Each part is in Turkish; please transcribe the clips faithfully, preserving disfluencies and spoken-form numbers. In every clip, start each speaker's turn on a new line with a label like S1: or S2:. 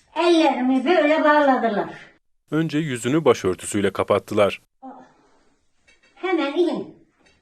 S1: Ellerimi böyle bağladılar.
S2: Önce yüzünü başörtüsüyle kapattılar.
S1: Hemen in.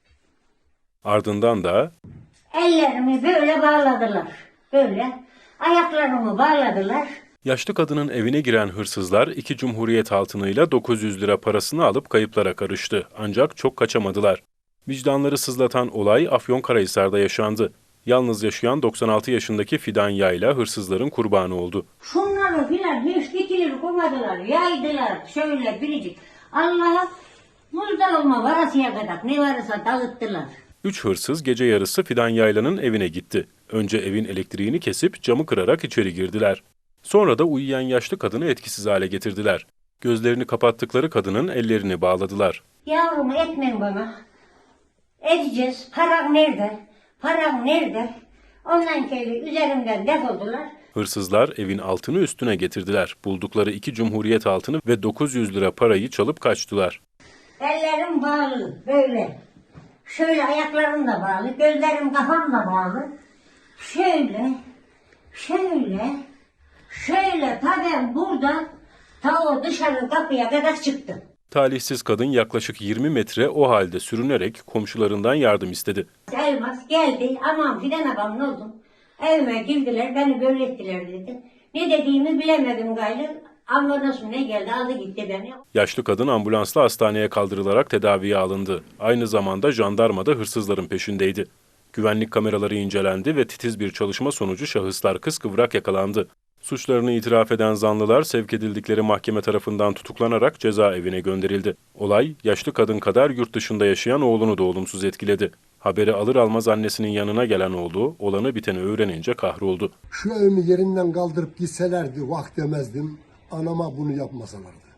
S2: Ardından da
S1: Ellerimi böyle bağladılar. Böyle. Ayaklarımı bağladılar.
S2: yaşlı kadının evine giren hırsızlar iki cumhuriyet altınıyla dokuz yüz lira parasını alıp kayıplara karıştı. Ancak çok kaçamadılar. Vicdanları sızlatan olay Afyonkarahisar'da yaşandı. Yalnız yaşayan doksan altı yaşındaki Fidan Yayla hırsızların kurbanı oldu.
S1: Şunları filan hiç dikilir koymadılar. Yaydılar şöyle biricik. Allah'a muzda olma varasıya kadar ne varsa dağıttılar.
S2: Üç hırsız gece yarısı Fidan Yayla'nın evine gitti. Önce evin elektriğini kesip camı kırarak içeri girdiler. Sonra da uyuyan yaşlı kadını etkisiz hale getirdiler. Gözlerini kapattıkları kadının ellerini bağladılar.
S1: Yavrum etmen bana. Edeceğiz. Param nerede? Param nerede? Ondan kere üzerimden defoldular.
S2: Hırsızlar evin altını üstüne getirdiler. Buldukları iki cumhuriyet altını ve dokuz yüz lira parayı çalıp kaçtılar.
S1: Ellerim bağlı böyle. Şöyle ayaklarım da bağlı. Gözlerim kafam da bağlı. Şöyle. Şöyle. Şöyle ta ben buradan ta o dışarı kapıya kadar çıktım.
S2: Talihsiz kadın yaklaşık yirmi metre o halde sürünerek komşularından yardım istedi.
S1: Elmas geldi. Aman Fidan abam ne oldum? Evime girdiler. Beni böyle ettiler dedi. Ne dediğimi bilemedim gayrı. Ambulans mı ne geldi aldı gitti beni.
S2: Yaşlı kadın ambulansla hastaneye kaldırılarak tedaviye alındı. Aynı zamanda jandarma da hırsızların peşindeydi. Güvenlik kameraları incelendi ve titiz bir çalışma sonucu şahıslar kıskıvrak yakalandı. Suçlarını itiraf eden zanlılar sevk edildikleri mahkeme tarafından tutuklanarak cezaevine gönderildi. Olay, yaşlı kadın kadar yurt dışında yaşayan oğlunu da olumsuz etkiledi. Haberi alır almaz annesinin yanına gelen oğlu, olanı biteni öğrenince kahroldu.
S3: Şu evimi yerinden kaldırıp gitselerdi vah demezdim, anama bunu yapmasalardı.